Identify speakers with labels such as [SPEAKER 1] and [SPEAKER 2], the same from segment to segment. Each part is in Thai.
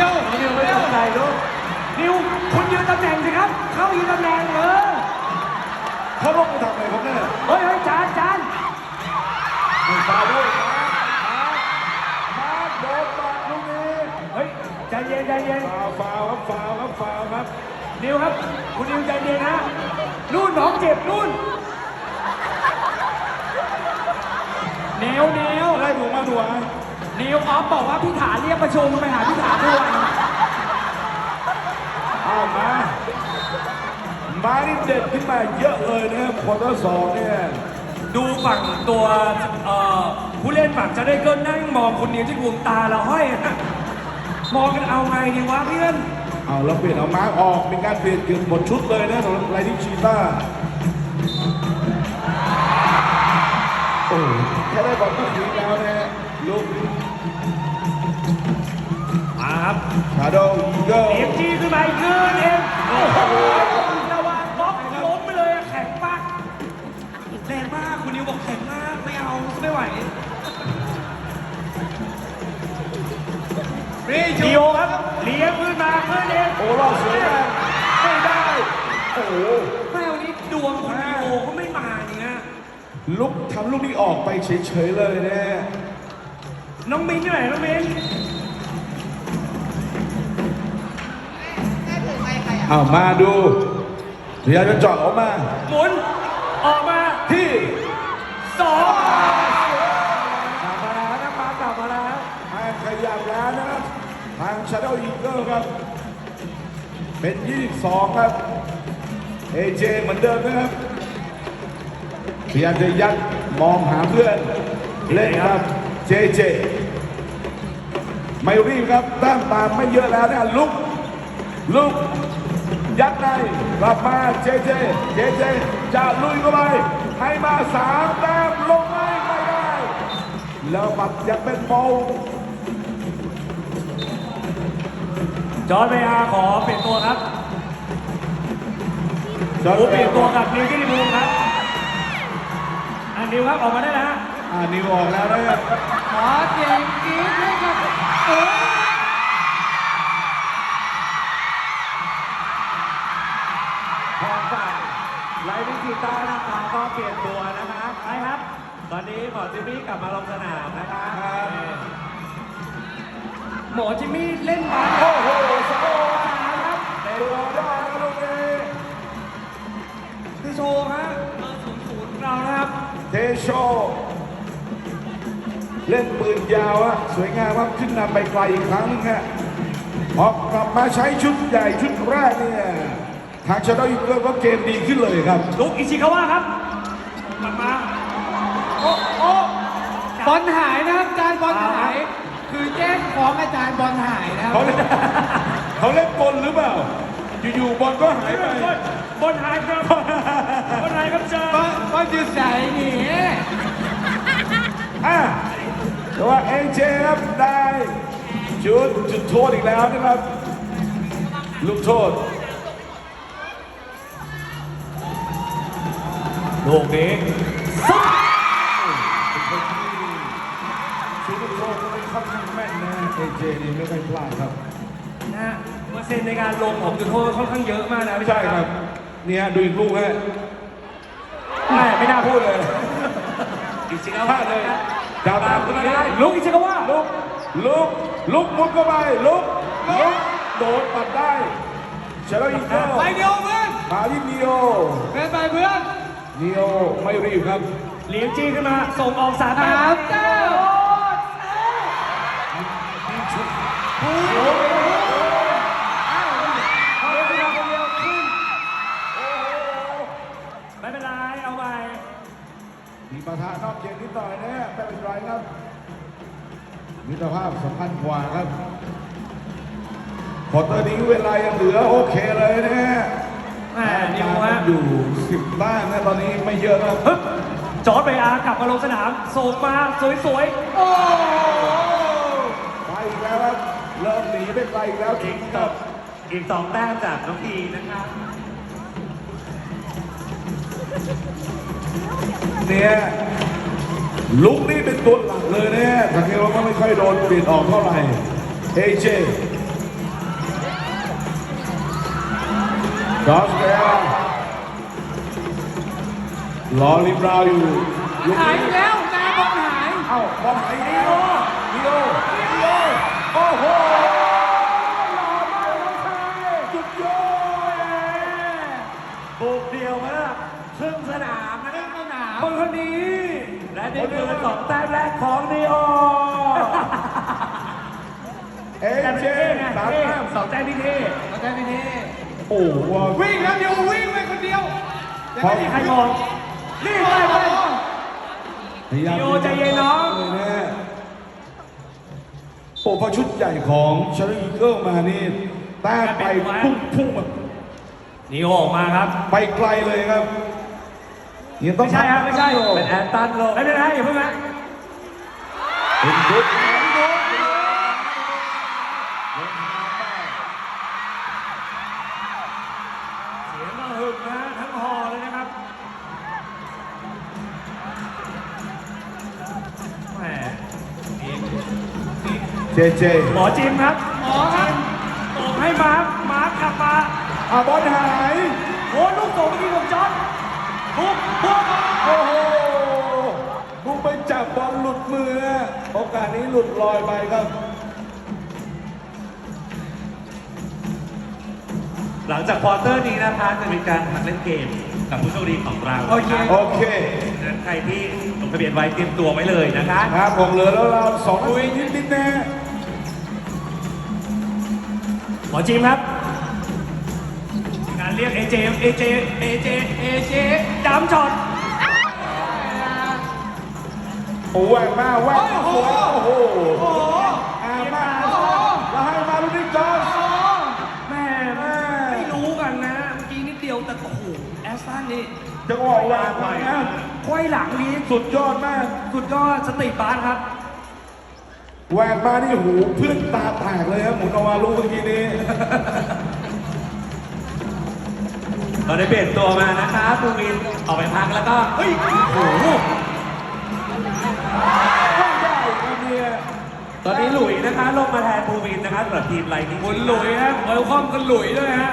[SPEAKER 1] วนิวไม่ต้องใจลูกนิวคุณยืนตำแหน่งสิครับเข้ายืนตำแหน่ง
[SPEAKER 2] เขาลงไปทำอะไรครับเนี่ย
[SPEAKER 1] เฮ้ยจาน
[SPEAKER 2] ไม่ฟาวด้วยมาโดนบาดลูกนี้
[SPEAKER 1] เฮ้ยใจเย็น
[SPEAKER 2] ฟาวครับ
[SPEAKER 1] นิวครับคุณนิวใจเย็นนะนู่นน้องเจ็บนู่นเนว
[SPEAKER 2] ได้ถูกมาถูก
[SPEAKER 1] นิวออฟบอกว่าพี่ถาเรียกประชุมไปหาพี่ถาด้วย
[SPEAKER 2] มานี่เด็ดขึ้นมาเยอะเลยนะครับควอเตอร์สองเนี่ย
[SPEAKER 1] ดูฝั่งตัวผู้เล่นฝั่งจะได้เกินนั่งมองคุณนิวที่ดวงตาเราห้อยมองกันเอาไงดีวะเพื่อน
[SPEAKER 2] เอาแล้วเปลี่ยนเอามาร์กออกเป็นการเปลี่ยนเกือบหมดชุดเลยนะสำหรับไลนิ่งชีต้าโอ้แค่ได้บอลก็ถึงแล้วนะลูก
[SPEAKER 1] มาครับ
[SPEAKER 2] ชาโดว์อีเกิล
[SPEAKER 1] เอฟจีขึ้นมาอีกเกินเองโอ้โหระวังบล็อกล้มไปเลยแข็งมากแรงมากคุณนิวบอกแข็งมากไม่เอาไม่ไหวดิโอครับเลี้ยงขึ้นมาขึ้นเอง
[SPEAKER 2] โอ้รอดสวยมากไม่ได้โอ้โห
[SPEAKER 1] แม่วันนี้ดวงคุณดิโอก็ไม่มาอย่างเงี้ย
[SPEAKER 2] ลุกทำลูกนี้ออกไปเฉยๆเลยนะ
[SPEAKER 1] น้องมิ้นที่ไหนน้องมิ้น
[SPEAKER 2] มาดูพยายามจะเจาะออกมา
[SPEAKER 1] หมุนออกมา
[SPEAKER 2] ที่
[SPEAKER 1] 2
[SPEAKER 2] กลับมาแล้วทางขยับแล้วนะครับทาง Shadow Eagle ครับเป็น22ครับAJ เหมือนเดิมนะครับพยายามจะยัดมองหาเพื่อนเล่นครับ JJ ไม่รีบครับแต้มตามไม่เยอะแล้วนะลุกยัดในกลับมาเจเจจะลุยเข้าไปให้มา3แต้มลงไม่ได้แล้วบัตรยังเป็นโม
[SPEAKER 1] จอร์จเบียร์ขอเปลี่ยนตัวครับเปลี่ยนตัวกับนิวที่ดีบูมครับนิวครับออกมาได้แล้ว
[SPEAKER 2] นิวออกแล้วนะครับ
[SPEAKER 1] ขอเสียงกรี๊ดให้กับไลฟ์วิจิต้านะคะก็เปลี่ยนตัวนะคะใช่ครับตอนนี้หมอจิมมี่กลับมาลงสนามนะคะหมอจิมมี่เล่นบาส
[SPEAKER 2] โอ้โหสโลว์ครับตัวได้แล้วลูกนี้
[SPEAKER 1] เทโชฮะ0-0เรานะครับ
[SPEAKER 2] เทโชเล่นปืนยาวอะสวยงามครับขึ้นนำไปไกลอีกครั้งนึงฮะออกกลับมาใช้ชุดใหญ่ชุดแรกเนี่ยทางชาโดว์อีเกิลก็เกมดีขึ้นเลยครับ
[SPEAKER 1] ลุกอิชิคาวะครับกลับมาโอ้บอลหายนะครับอาจารย์บอลหายคือแจ้งของอาจารย์บอลหายนะครับ
[SPEAKER 2] เขาเล่นบอลหรือเปล่าอยู่ๆบอลก็หายไป
[SPEAKER 1] บอลหายครับบอลหายครับจ้าบอลอยู่ใส่นี่
[SPEAKER 2] แต่ว่าเอเจครับได้จุดโทษอีกแล้วนะครับลูกโทษ
[SPEAKER 1] ลูกนี้
[SPEAKER 2] ชุดลูกโทษก็ไม่ค่อนข้างแม่นนะเอเจนี่ไม่ค่อยพลาดครับ
[SPEAKER 1] นะเปอร์เซ็นต์ในการลงของจุดโทษค่อนข้างเยอะมากนะ
[SPEAKER 2] ใช่ครับเนี่ยดูอีกลูกฮะ
[SPEAKER 1] ไม่น่าพูดเลย
[SPEAKER 2] อิชิคาวะเลยดาวตามกันได้
[SPEAKER 1] ลุกอิชิคาวะ
[SPEAKER 2] ลุกมุดเข้าไปลุกโดดปัดได้เชลอีกแล้ว
[SPEAKER 1] ไปเดียวเพื่อน
[SPEAKER 2] มาที่นิโอ
[SPEAKER 1] เป็นไปเพื่อน
[SPEAKER 2] นิโอไม่รีบครับ
[SPEAKER 1] เลี้ยงจี้ขึ้นมาส่งออก3 9ไม่เป็นไรเอาไป
[SPEAKER 2] มีประธานนอกเกมนิดหน่อยนะไม่เป็นไรครับมิตรภาพสำคัญกว่าครับพอตอนนี้เวลายังเหลือโอเคเลยนะฮะ
[SPEAKER 1] นิวฮะ
[SPEAKER 2] อยู่10 บ้านนะตอนนี้ไม่เยอะครับ
[SPEAKER 1] จอร์จเบียร์กลับมาลงสนามส่งมาสวยๆโอ้
[SPEAKER 2] ไปอีกแล้วครับเริ่มหนีไปไกลอีกแล้ว
[SPEAKER 1] อีก2 แต้มจากน้องพีนะครับ
[SPEAKER 2] เนี่ยลุกนี่เป็นตัวหลักเลยเนี่ยทางนี้เราก็ไม่ค่อยโดนเปลี่ยนออกเท่าไหร่เอเจจอร์จแกรอริมราวอยู่ลูก
[SPEAKER 1] หาย
[SPEAKER 2] นี้
[SPEAKER 1] อีกแล้วจานบอลหาย
[SPEAKER 2] เอ้าบอลหายอีกแล้วดิโอโอ้โหสุดยอด
[SPEAKER 3] บุกเดียวมากครึ่งสนามนะ
[SPEAKER 1] เล่นสนาม
[SPEAKER 3] คนคนนี้ และนี่คือ2 แต้มแรกของนีโอ
[SPEAKER 2] เอเจสามแต้ม
[SPEAKER 3] 2 แต้มที่นี่
[SPEAKER 1] เราได้ไม่เท่
[SPEAKER 2] โอ้โห
[SPEAKER 1] วิ่งแล้วเดียววิ่งไปคนเดียว
[SPEAKER 3] ไม่มีใครมองนี่ไปไป
[SPEAKER 2] พยายาม
[SPEAKER 3] ดิโอใจเย็นน้อง
[SPEAKER 2] เลยนะโอ้พอชุดใหญ่ของชาร์ลีอีเกิลมานี่แต้มไปพุ่งแบบ
[SPEAKER 3] นีโอออกมาครับ
[SPEAKER 2] ไปไกลเลยครับยังต้อง
[SPEAKER 3] ไม่ใช่ครับไม่ใช่
[SPEAKER 2] โอ้
[SPEAKER 3] เป็นแอนตันโลไม่เป็นไรอย่าเพิ่งนะ
[SPEAKER 2] เป็นชุด
[SPEAKER 3] เสียงก็หึงนะทั้งฮอเลยนะครับแหมนี่
[SPEAKER 2] เจเจ
[SPEAKER 3] หมอจิมครับ
[SPEAKER 1] หมอครับ
[SPEAKER 3] ส่งให้มาร์คกลับมา
[SPEAKER 2] บอลหาย
[SPEAKER 3] โอ้ลูกส่งเมื่อกี้ของจอร์จบุก
[SPEAKER 2] โอ้โหบุกไปจับบอลหลุดมือนะโอกาสนี้หลุดลอยไปครับ
[SPEAKER 3] หลังจากควอเตอร์นี้นะคะจะมีการหัดเล่นเกมกับผู้โชคดีของเรา
[SPEAKER 1] โอเค
[SPEAKER 2] โอเค
[SPEAKER 3] ดังนั้นใครที่ลงทะเบียนไว้เตรียมตัวไว้เลยนะคะ
[SPEAKER 2] ครับผมเหลือแล้วเรา2 นาทีนิดๆนะ
[SPEAKER 3] หมอจิมครับ การเรียกเอเจดำช็อต
[SPEAKER 2] โอ้แหวกมาแหวกมาสวยโอ้โห
[SPEAKER 1] โอ้โห
[SPEAKER 2] มาแล้วให้มาลูกนี้จอร์จ
[SPEAKER 3] แม่ไม่รู้กันนะเมื่อกี้นิดเดียวแต่โอ้โหแอสตันนี่
[SPEAKER 2] จังหวะวางไปนะ
[SPEAKER 3] ควยหลังนี้
[SPEAKER 2] สุดยอดมาก
[SPEAKER 3] สุดยอดสติปาร์ครับ
[SPEAKER 2] แหวกมานี่หูเพื่อนตาแตกเลยครับหมุนออกมาลูกเมื่อกี้นี้
[SPEAKER 3] เราได้เปลี่ยนตัวมานะคะปูวินออกไปพักแล้วก็เฮ้ยโอ้โห
[SPEAKER 2] ไม่ได้ครับเนี่ย
[SPEAKER 3] ตอนนี้หลุยนะคะลงมาแทนปูวินนะคะสำหรับทีมไลนิ่ง
[SPEAKER 1] คุณหลุยฮะเวลคอมกันหลุยด้วยฮะ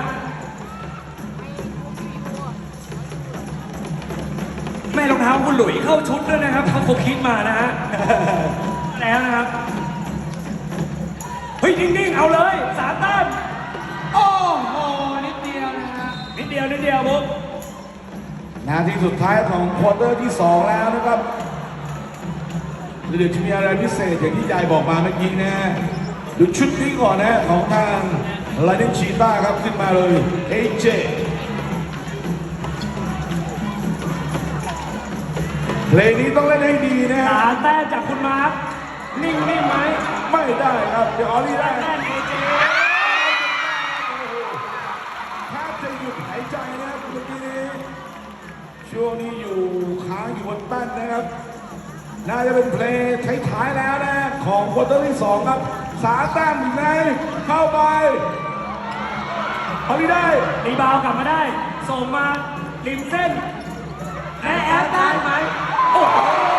[SPEAKER 3] แม่รองเท้าคุณหลุยเข้าชุดด้วยนะครับเขาคิดมานะฮะ แล้วนะครับ เฮ้ยนิ่งๆเอาเลย3 แต้ม
[SPEAKER 1] โอ้โหนิดเดียวนะฮะ
[SPEAKER 3] นิดเดียวบุ๊ก
[SPEAKER 2] นาทีสุดท้ายของควอเตอร์ที่ 2 แล้วนะครับเดี๋ยวจะมีอะไรพิเศษอย่างที่ยายบอกมาเมื่อกี้นะดูชุดนี้ก่อนนะของทางไลเดนชีต้าครับขึ้นมาเลยเอเจเพลงนี้ต้องเล่นให้ดีนะ
[SPEAKER 3] 3 แต้มจากคุณมาร์คนิ่งไหม
[SPEAKER 2] ไม่ได้ครับเดี๋ยวออลลี่ได้
[SPEAKER 3] แต้มเอเจ
[SPEAKER 2] แทบจะหยุดหายใจนะครับเมื่อกี้นี้ช่วงนี้อยู่ค้างอยู่บนแป้นนะครับน่าจะเป็นเพลงท้ายๆแล้วนะของควอเตอร์ที่ 2 ครับ3 แต้มอยู่ในเข้าไปออลลี่ได้
[SPEAKER 3] รีบาวกลับมาได้ ส่งมาริมเส้นและแอดได้ไหมโอ้โห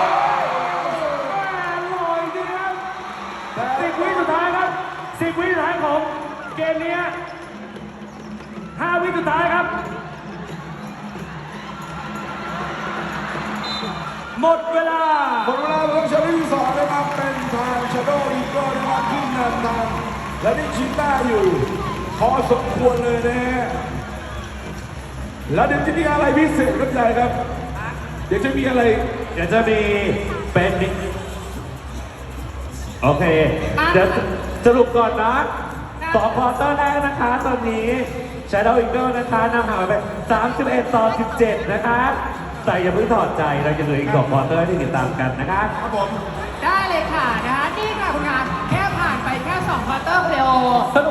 [SPEAKER 2] ลอยดีครับแต่
[SPEAKER 3] 10 วิสุดท้ายครับ10 วิสุดท้ายของเกมนี้5 วิสุดท้ายครับ หมดเวลา
[SPEAKER 2] หมดเวลาของชาลีที่ 2 นะครับเป็นทางชาโดว์อีโก้นะครับขึ้นนำทางและนี่ชิต้าอยู่พอสมควรเลยนะฮะแล้วเดี๋ยวจะมีอะไรพิเศษครับยายครับ เดี๋ยวจะมีอะไร
[SPEAKER 3] เดี๋ยวจะมีเป็นโอเค เดี๋ยวสรุปก่อนนะ2 ควอเตอร์แรกนะคะ ตอนนี้ Shadow Eagle นะคะนำห่างไป31-17 นะคะ แต่อย่าเพิ่งถอดใจเราจะเหลืออีก2 ควอเตอร์ที่ติดตามกันนะคะ
[SPEAKER 2] ครับผม
[SPEAKER 4] ได้เลยค่ะนะคะนี่ค่ะคุณงานแค่ผ่านไปแค่2ควอเตอร์เพลย์